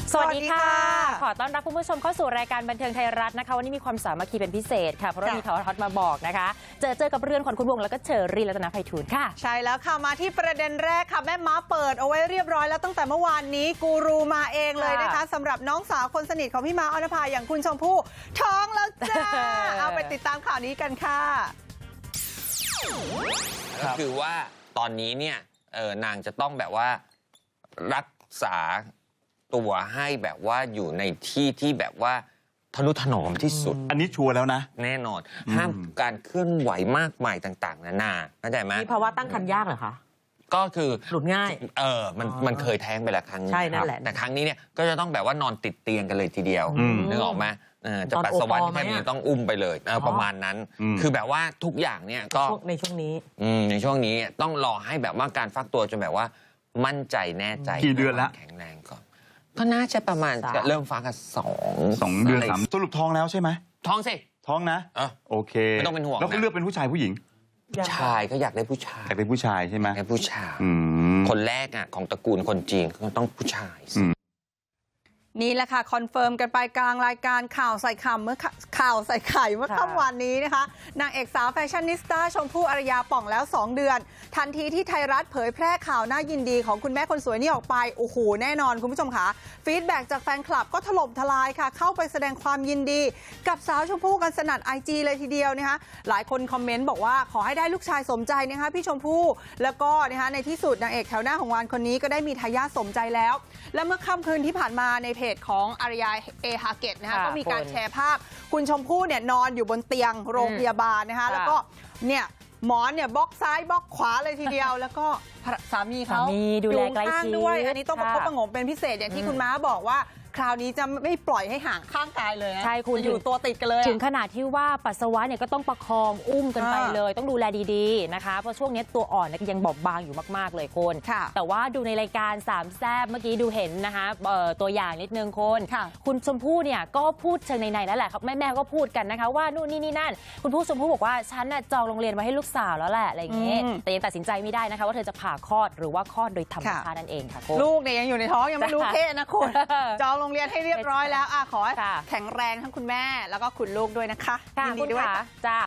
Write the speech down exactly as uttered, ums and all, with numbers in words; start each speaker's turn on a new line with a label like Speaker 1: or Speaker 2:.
Speaker 1: สวัสดีค่ะขอต้อนรับคุณผู้ชมเข้าสู่รายการบันเทิงไทยรัฐนะคะวันนี้มีความสามัคคีเป็นพิเศษค่ะเพราะว่ามีทอทอดมาบอกนะคะเจอเจอกับเรือนขวัญคุณวงแล้วก็เชอรี่รัตนภัยทูลค่ะ
Speaker 2: ใช่แล้วค่ะมาที่ประเด็นแรกค่ะแม่ม้าเปิดเอาไว้เรียบร้อยแล้วตั้งแต่เมื่อวานนี้กูรูมาเองเลยนะคะสำหรับน้องสาวคนสนิทของพี่ม้าออนภาอย่างคุณชมพู่ท้องแล้วจ้า เอาไปติดตามข่าวนี้กันค่ะ
Speaker 3: ก็คือว่าตอนนี้เนี่ยเออนางจะต้องแบบว่ารักษาตัวให้แบบว่าอยู่ในที่ที่แบบว่าทนุถนอมที่สุด
Speaker 4: อันนี้ชัวร์แล้วนะ
Speaker 3: แน่นอนห้ามการเคลื่อนไหวมากมายต่างๆนานาเข้าใจไหม
Speaker 5: มีภาวะตั้งครรภ์ยากเหรอคะ
Speaker 3: ก็คือ
Speaker 5: หลุดง่าย
Speaker 3: เออมันมันเคยแท้งไปแล้วครั้งนึง
Speaker 5: ใช่นั่นแหละ
Speaker 3: แต่ครั้งนี้เนี่ยก็จะต้องแบบว่านอนติดเตียงกันเลยทีเดียวนึกออกไหมจะปัสสาวะแค่นี้ต้องอุ้มไปเลยประมาณนั้นคือแบบว่าทุกอย่างเนี่ยก็
Speaker 5: ในช่วงนี้
Speaker 3: ในช่วงนี้ต้องรอให้แบบว่าการฟักตัวจนแบบว่ามั่นใจแน่ใจ
Speaker 4: กี่เดือนแล้ว
Speaker 3: แข็งแรงก่อนก็น่าจะประมาณจะเริ่มฟักกันสอง
Speaker 4: สองเดือนสามสรุปท้องแล้วใช่ไหม
Speaker 3: ท้องสิ
Speaker 4: ท้องนะ
Speaker 3: เออ
Speaker 4: โอเค
Speaker 3: ไม่ต้องเป็นห่วง
Speaker 4: แล้วก็เลือกเป็นผู้ชายผู้หญิง
Speaker 3: ชายก็อยากได้ผู้ชาย
Speaker 4: อยากได้ผู้ชายใช่ไหม
Speaker 3: อยากได้ผู้ชายคนแรกอ่ะของตระกูลคนจีนก็ต้องผู้ชาย
Speaker 2: นี่แหละค่ะคอนเฟิร์มกันไปกลางรายการข่าวใส่ข่าวเมื่อข่าวใส่ไข่เมื่อค่ำวันนี้นะคะนางเอกสาวแฟชั่นนิสต้าชมพู่อารยาป่องแล้วสองเดือนทันทีที่ไทยรัฐเผยแพร่ข่าวน่ายินดีของคุณแม่คนสวยนี่ออกไปโอ้โหแน่นอนคุณผู้ชมค่ะฟีดแบ็กจากแฟนคลับก็ถล่มทลายค่ะเข้าไปแสดงความยินดีกับสาวชมพู่กันสนั่น ไอ จี เลยทีเดียวนะคะหลายคนคอมเมนต์บอกว่าขอให้ได้ลูกชายสมใจนะคะพี่ชมพู่แล้วก็นะคะในที่สุดนางเอกแถวหน้าของวันคนนี้ก็ได้มีทายาทสมใจแล้วและเมื่อค่ำคืนที่ผ่านมาในเพจของอารยาเอฮาเกตนะคะก็มีการแชร์ภาพคุณชมพู่เนี่ยนอนอยู่บนเตียงโรงพยาบาลนะคะแล้วก็เนี่ยหมอนเนี่ยบล็อกซ้ายบล็อกขวาเลยทีเดียวแล้วก็สามีเขา
Speaker 1: ดูแลใกล้ชิด
Speaker 2: ด้วยอันนี้ต้องประคบประงมเป็นพิเศษอย่างที่คุณม้าบอกว่าคราวนี้จะไม่ปล่อยให้ห่างข้างกายเลยนะ
Speaker 1: ใช่คุณ
Speaker 2: อยู่ตัวติดกันเลย
Speaker 1: ถึงขนาดที่ว่าปัสสาวะเนี่ยก็ต้องประคองอุ้มกันไปเลยต้องดูแลดีๆนะคะเพราะช่วงนี้ตัวอ่อนยังบอบบางอยู่มากๆเลยคุณแต่ว่าดูในรายการสามแซ่บเมื่อกี้ดูเห็นนะคะตัวอย่างนิดนึงคุณคุณชมพู่เนี่ยก็พูดเชิงในๆแล้วแหละครับแม่ๆก็พูดกันนะคะว่านู่นนี่นี่นั่นคุณผู้ชมพู่บอกว่าฉันน่ะจองโรงเรียนไว้ให้ลูกสาวแล้วแหละอะไรอย่างเงี้ยแต่ยังตัดสินใจไม่ได้นะคะว่าเธอจะผ่าคลอดหรือว่าคลอดโดยธรรมชาตินั่นเองค่ะ
Speaker 2: ลูกเนี่ยยังอยู่ในท้องยังไม่รู้เพศนะคุณจองโรงเรียนให้เรียบร้อยแล้วขอให้แข็งแรงทั้งคุณแม่แล้วก็คุณลูกด้วยนะคะ
Speaker 1: ยินดีด้วยจ้า